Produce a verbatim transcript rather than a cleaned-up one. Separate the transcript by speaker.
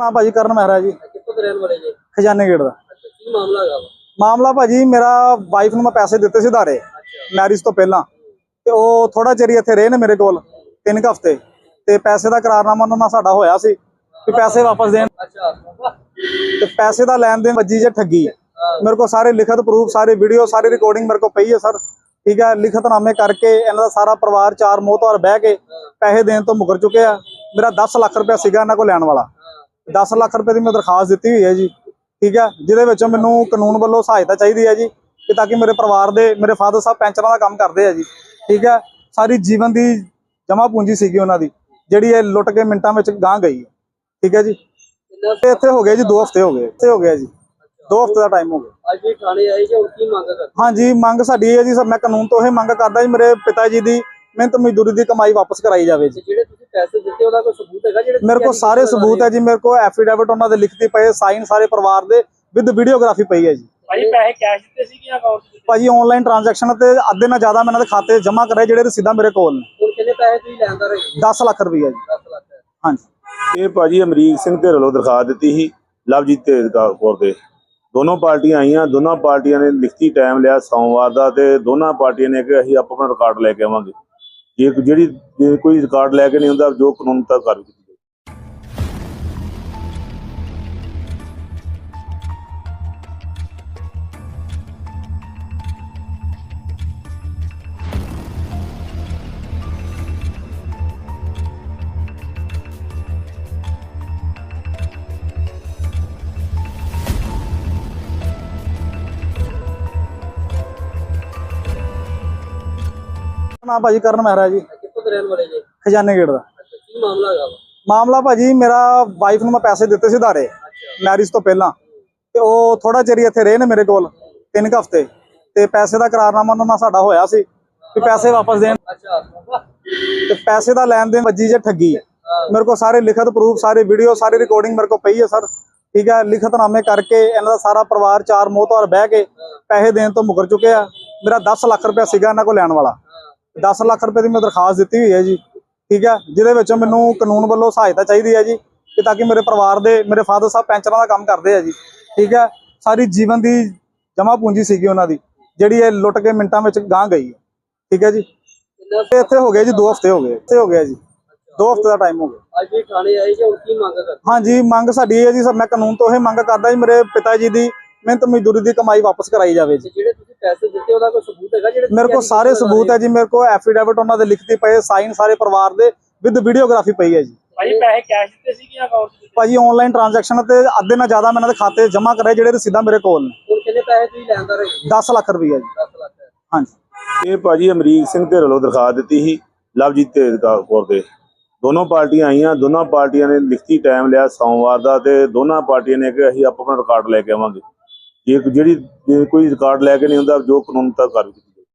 Speaker 1: ਨਾ ਭਾਜੀ ਕਰਨ ਮਹਿਰਾ ਜੀ
Speaker 2: ਕਿੱਥੋਂ ਦੇ ਰਹਿਣ ਵਾਲੇ ਜੀ?
Speaker 1: ਖਜ਼ਾਨੇ ਗੇਟ ਦਾ।
Speaker 2: ਅੱਛਾ, ਕੀ ਮਾਮਲਾ ਹੈਗਾ ਵਾ?
Speaker 1: ਮਾਮਲਾ ਭਾਜੀ ਮੇਰਾ ਵਾਈਫ ਨੂੰ ਮੈਂ ਪੈਸੇ ਦਿੱਤੇ ਸੀ ਉਧਾਰੇ ਮੈਰਿਜ ਤੋਂ ਪਹਿਲਾਂ, ਤੇ ਉਹ ਥੋੜਾ ਚਿਰ ਹੀ ਇੱਥੇ ਰਹੇ ਨੇ ਮੇਰੇ ਕੋਲ ਤਿੰਨ ਕੁ ਹਫ਼ਤੇ, ਤੇ ਪੈਸੇ ਦਾ ਕਰਾਰਨਾਮਾ ਉਹਨਾਂ ਨਾਲ ਸਾਡਾ ਹੋਇਆ ਸੀ ਕਿ ਪੈਸੇ ਵਾਪਸ ਦੇਣ।
Speaker 2: ਅੱਛਾ,
Speaker 1: ਤੇ ਪੈਸੇ ਦਾ ਲੈਣ ਦੇਣ ਵੱਜੀ ਜੇ ਠੱਗੀ। ਮੇਰੇ ਕੋਲ ਸਾਰੇ ਲਿਖਤ ਪ੍ਰੂਫ, ਸਾਰੇ ਵੀਡੀਓ, ਸਾਰੀ ਰਿਕਾਰਡਿੰਗ ਮੇਰੇ ਕੋਲ ਪਈ ਹੈ ਸਰ। ਠੀਕ ਹੈ, ਲਿਖਤਨਾਮੇ ਕਰਕੇ ਇਹਨਾਂ ਦਾ ਸਾਰਾ ਪਰਿਵਾਰ ਚਾਰ ਮੋਹਤਵਾਰ ਬਹਿ ਕੇ ਪੈਸੇ ਦੇਣ ਤੋਂ ਮੁਕਰ ਚੁੱਕੇ ਆ। ਮੇਰਾ ਦਸ ਲੱਖ ਰੁਪਇਆ ਸੀਗਾ ਇਹਨਾਂ ਕੋਲ ਲੈਣ ਵਾਲਾ, ਦਸ ਲੱਖ ਰੁਪਏ ਦੀ ਮੈਂ ਦਰਖਾਸਤ ਦਿੱਤੀ ਹੋਈ ਹੈ ਜੀ। ਠੀਕ ਹੈ, ਜਿਹਦੇ ਵਿੱਚੋਂ ਮੈਨੂੰ ਕਾਨੂੰਨ ਵੱਲੋਂ ਸਹਾਇਤਾ ਚਾਹੀਦੀ ਹੈ ਜੀ, ਕਿ ਤਾਂ ਕਿ ਮੇਰੇ ਪਰਿਵਾਰ ਦੇ, ਮੇਰੇ ਫਾਦਰ ਸਾਹਿਬ ਪੈਂਚਰਾਂ ਦਾ ਕੰਮ ਕਰਦੇ ਆ ਜੀ। ਠੀਕ ਹੈ, ਸਾਰੀ ਜੀਵਨ ਦੀ ਜਮ੍ਹਾਂ ਪੂੰਜੀ ਸੀਗੀ ਉਹਨਾਂ ਦੀ, ਜਿਹੜੀ ਇਹ ਲੁੱਟ ਕੇ ਮਿੰਟਾਂ ਵਿੱਚ ਗਾਂਹ ਗਈ ਹੈ। ਠੀਕ ਹੈ ਜੀ, ਤੇ ਇੱਥੇ ਹੋ ਗਏ ਜੀ ਦੋ ਹਫ਼ਤੇ ਹੋ ਗਏ, ਇੱਥੇ ਹੋ ਗਿਆ ਜੀ ਦੋ ਹਫ਼ਤੇ ਦਾ ਟਾਈਮ ਹੋ ਗਿਆ।
Speaker 2: ਅੱਜ ਵੀ ਥਾਣੇ ਆਏ ਜੀ, ਹੁਣ ਕੀ ਮੰਗ ਕਰਦੇ?
Speaker 1: ਹਾਂਜੀ, ਮੰਗ ਸਾਡੀ ਇਹ ਹੈ ਜੀ, ਮੈਂ ਕਾਨੂੰਨ ਤੋਂ ਇਹ ਮੰਗ ਕਰਦਾ ਜੀ, ਮੇਰੇ ਪਿਤਾ ਜੀ ਦੀ ਮਿਹਨਤ ਮਜ਼ਦੂਰੀ ਦੀ ਕਮਾਈ ਵਾਪਸ ਕਰਾਈ ਜਾਵੇ ਜੀ।
Speaker 2: ਜਿਹੜੇ ਤੁਸੀਂ ਪੈਸੇ ਦਿੱਤੇ ਉਹਦਾ ਕੋਈ ਸਬੂਤ ਹੈਗਾ? ਜਿਹੜੇ
Speaker 1: ਮੇਰੇ ਕੋਲ ਸਾਰੇ ਸਬੂਤ ਹੈ ਜੀ, ਮੇਰੇ ਕੋਲ ਐਫੀਡੇਵਿਟ ਉਹਨਾਂ ਦੇ ਲਿਖਤੀ ਪਏ, ਸਾਈਨ ਸਾਰੇ ਪਰਿਵਾਰ ਦੇ ਵਿਦ ਵੀਡੀਓਗ੍ਰਾਫੀ ਪਈ ਹੈ ਜੀ।
Speaker 2: ਭਾਜੀ ਪੈਸੇ ਕੈਸ਼ ਦਿੱਤੇ ਸੀ ਕਿ ਅਕਾਊਂਟ 'ਚ?
Speaker 1: ਭਾਜੀ ਆਨਲਾਈਨ ਟ੍ਰਾਂਜੈਕਸ਼ਨ ਤੇ ਅੱਧੇ ਨਾਲ ਜ਼ਿਆਦਾ ਮੈਂ ਇਹਨਾਂ ਦੇ ਖਾਤੇ ਜਮ੍ਹਾਂ ਕਰਾਏ, ਜਿਹੜੇ ਰਸੀਦਾਂ ਮੇਰੇ ਕੋਲ ਨੇ।
Speaker 2: ਹੁਣ ਕਿੰਨੇ ਪੈਸੇ ਤੁਸੀਂ ਲੈਂਦਾ ਰਹੇ?
Speaker 1: ਦਸ ਲੱਖ ਰੁਪਈਆ ਜੀ।
Speaker 2: ਦਸ ਲੱਖ।
Speaker 1: ਹਾਂਜੀ,
Speaker 3: ਇਹ ਭਾਜੀ ਅਮਰੀਕ ਸਿੰਘ ਢਿੱਲੋਂ ਵੱਲੋਂ ਦਰਖਾਸਤ ਦਿੱਤੀ ਸੀ ਲਵਜੀਤ ਤੇ ਕੌਰ ਦੇ। ਦੋਨੋਂ ਪਾਰਟੀਆਂ ਆਈਆਂ, ਦੋਨਾਂ ਪਾਰਟੀਆਂ ਨੇ ਲਿਖਤੀ ਟਾਈਮ ਲਿਆ ਸੋਮਵਾਰ ਦਾ, ਤੇ ਦੋਨਾਂ ਪਾਰਟੀਆਂ ਨੇ ਕਿ ਅਸੀਂ ਆਪਣਾ ਰਿਕਾਰਡ ਲੈ ਕੇ ਆਵਾਂਗੇ। ਜੇ ਜਿਹੜੀ ਜੇ ਕੋਈ ਰਿਕਾਰਡ ਲੈ ਕੇ ਨਹੀਂ ਹੁੰਦਾ, ਜੋ ਕਾਨੂੰਨ ਤੱਕ ਕਾਰਵਾਈ ਕੀਤੀ ਜਾਵੇ।
Speaker 1: ਨਾ ਭਾਜੀ ਕਰਨ ਮਹਿਰਾ ਜੀ
Speaker 2: ਕਿੱਥੋਂ ਦੇ ਰਹਿਣ ਵਾਲੇ ਜੀ?
Speaker 1: ਖਜ਼ਾਨੇ ਗੇਟ ਦਾ।
Speaker 2: ਅੱਛਾ, ਕੀ ਮਾਮਲਾ ਹੈਗਾ ਵਾ?
Speaker 1: ਮਾਮਲਾ ਭਾਜੀ ਮੇਰਾ ਵਾਈਫ ਨੂੰ ਮੈਂ ਪੈਸੇ ਦਿੱਤੇ ਸੀ ਉਧਾਰੇ ਮੈਰਿਜ ਤੋਂ ਪਹਿਲਾਂ, ਤੇ ਉਹ ਥੋੜਾ ਚਿਰ ਹੀ ਇੱਥੇ ਰਹੇ ਨੇ ਮੇਰੇ ਕੋਲ ਤਿੰਨ ਕੁ ਹਫ਼ਤੇ, ਤੇ ਪੈਸੇ ਦਾ ਕਰਾਰਨਾਮਾ ਉਹਨਾਂ ਨਾਲ ਸਾਡਾ ਹੋਇਆ ਸੀ ਕਿ ਪੈਸੇ ਵਾਪਸ ਦੇਣ।
Speaker 2: ਅੱਛਾ,
Speaker 1: ਤੇ ਪੈਸੇ ਦਾ ਲੈਣ ਦੇਣ ਵੱਜੀ ਜੇ ਠੱਗੀ। ਮੇਰੇ ਕੋਲ ਸਾਰੇ ਲਿਖਤ ਪ੍ਰੂਫ, ਸਾਰੇ ਵੀਡੀਓ, ਸਾਰੀ ਰਿਕਾਰਡਿੰਗ ਮੇਰੇ ਕੋਲ ਪਈ ਹੈ ਸਰ। ਠੀਕ ਹੈ, ਲਿਖਤਨਾਮੇ ਕਰਕੇ ਇਹਨਾਂ ਦਾ ਸਾਰਾ ਪਰਿਵਾਰ ਚਾਰ ਮੋਹਤਵਾਰ ਬਹਿ ਕੇ ਪੈਸੇ ਦੇਣ ਤੋਂ ਮੁਕਰ ਚੁੱਕੇ ਆ। ਮੇਰਾ ਦਸ ਲੱਖ ਰੁਪਇਆ ਸੀਗਾ ਇਹਨਾਂ ਕੋਲ ਲੈਣ ਵਾਲਾ, ਦਸ ਲੱਖ ਰੁਪਏ ਦੀ ਮੈਂ ਦਰਖਾਸਤ ਦਿੱਤੀ ਹੋਈ ਹੈ ਜੀ। ਠੀਕ ਹੈ, ਜਿਹਦੇ ਵਿੱਚੋਂ ਮੈਨੂੰ ਕਾਨੂੰਨ ਵੱਲੋਂ ਸਹਾਇਤਾ ਚਾਹੀਦੀ ਹੈ ਜੀ, ਕਿ ਤਾਂ ਕਿ ਮੇਰੇ ਪਰਿਵਾਰ ਦੇ, ਮੇਰੇ ਫਾਦਰ ਸਾਹਿਬ ਪੈਂਚਰਾਂ ਦਾ ਕੰਮ ਕਰਦੇ ਆ ਜੀ। ਠੀਕ ਹੈ, ਸਾਰੀ ਜੀਵਨ ਦੀ ਜਮ੍ਹਾਂ ਪੂੰਜੀ ਸੀਗੀ ਉਹਨਾਂ ਦੀ, ਜਿਹੜੀ ਇਹ ਲੁੱਟ ਕੇ ਮਿੰਟਾਂ ਵਿੱਚ ਗਾਂਹ ਗਈ ਹੈ। ਠੀਕ ਹੈ ਜੀ, ਤੇ ਇੱਥੇ ਹੋ ਗਏ ਜੀ ਦੋ ਹਫ਼ਤੇ ਹੋ ਗਏ, ਇੱਥੇ ਹੋ ਗਿਆ ਜੀ ਦੋ ਹਫ਼ਤੇ ਦਾ ਟਾਈਮ ਹੋ ਗਿਆ।
Speaker 2: ਅੱਜ ਵੀ ਥਾਣੇ ਆਏ ਜੀ, ਹੁਣ ਕੀ ਮੰਗ ਕਰਦੇ?
Speaker 1: ਹਾਂਜੀ, ਮੰਗ ਸਾਡੀ ਇਹ ਹੈ ਜੀ, ਮੈਂ ਕਾਨੂੰਨ ਤੋਂ ਇਹ ਮੰਗ ਕਰਦਾ ਜੀ, ਮੇਰੇ ਪਿਤਾ ਜੀ ਦੀ ਮਿਹਨਤ ਮਜ਼ਦੂਰੀ ਦੀ ਕਮਾਈ ਵਾਪਸ ਕਰਾਈ ਜਾਵੇ ਜੀ।
Speaker 2: ਜਿਹੜੇ ਤੁਸੀਂ ਪੈਸੇ ਦਿੱਤੇ ਉਹਦਾ ਕੋਈ ਸਬੂਤ ਹੈਗਾ? ਜਿਹੜੇ
Speaker 1: ਮੇਰੇ ਕੋਲ ਸਾਰੇ ਸਬੂਤ ਹੈ ਜੀ, ਮੇਰੇ ਕੋਲ ਐਫੀਡੇਵਿਟ ਉਹਨਾਂ ਦੇ ਲਿਖਤੀ ਪਏ, ਸਾਈਨ ਸਾਰੇ ਪਰਿਵਾਰ ਦੇ ਵਿਦ ਵੀਡੀਓਗ੍ਰਾਫੀ ਪਈ ਹੈ ਜੀ।
Speaker 2: ਭਾਜੀ ਪੈਸੇ ਕੈਸ਼ ਦਿੱਤੇ ਸੀ ਕਿ ਅਕਾਊਂਟ 'ਚ?
Speaker 1: ਭਾਜੀ ਆਨਲਾਈਨ ਟ੍ਰਾਂਜੈਕਸ਼ਨ ਤੇ ਅੱਧੇ ਨਾਲ ਜ਼ਿਆਦਾ ਮੈਂ ਇਹਨਾਂ ਦੇ ਖਾਤੇ ਜਮ੍ਹਾਂ ਕਰਾਏ, ਜਿਹੜੇ ਰਸੀਦਾਂ ਮੇਰੇ ਕੋਲ ਨੇ।
Speaker 2: ਹੁਣ ਕਿੰਨੇ ਪੈਸੇ ਤੁਸੀਂ ਲੈਂਦਾ ਰਹੇ?
Speaker 1: ਦਸ ਲੱਖ ਰੁਪਈਆ ਜੀ।
Speaker 2: ਦਸ ਲੱਖ।
Speaker 1: ਹਾਂਜੀ,
Speaker 3: ਇਹ ਭਾਜੀ ਅਮਰੀਕ ਸਿੰਘ ਢਿੱਲੋਂ ਵੱਲੋਂ ਦਰਖਾਸਤ ਦਿੱਤੀ ਸੀ ਲਵਜੀਤ ਤੇ ਕੌਰ ਦੇ। ਦੋਨੋਂ ਪਾਰਟੀਆਂ ਆਈਆਂ, ਦੋਨਾਂ ਪਾਰਟੀਆਂ ਨੇ ਲਿਖਤੀ ਟਾਈਮ ਲਿਆ ਸੋਮਵਾਰ ਦਾ, ਤੇ ਦੋਨਾਂ ਪਾਰਟੀਆਂ ਨੇ ਕਿ ਅਸੀਂ ਆਪਣਾ ਰਿਕਾਰਡ ਲੈ ਕੇ ਆਵਾਂਗੇ। ਜੇ ਜਿਹੜੀ ਜੇ ਕੋਈ ਰਿਕਾਰਡ ਲੈ ਕੇ ਨਹੀਂ ਹੁੰਦਾ, ਜੋ ਕਾਨੂੰਨ ਤੱਕ ਕਾਰਵਾਈ ਕੀਤੀ ਜਾਵੇ।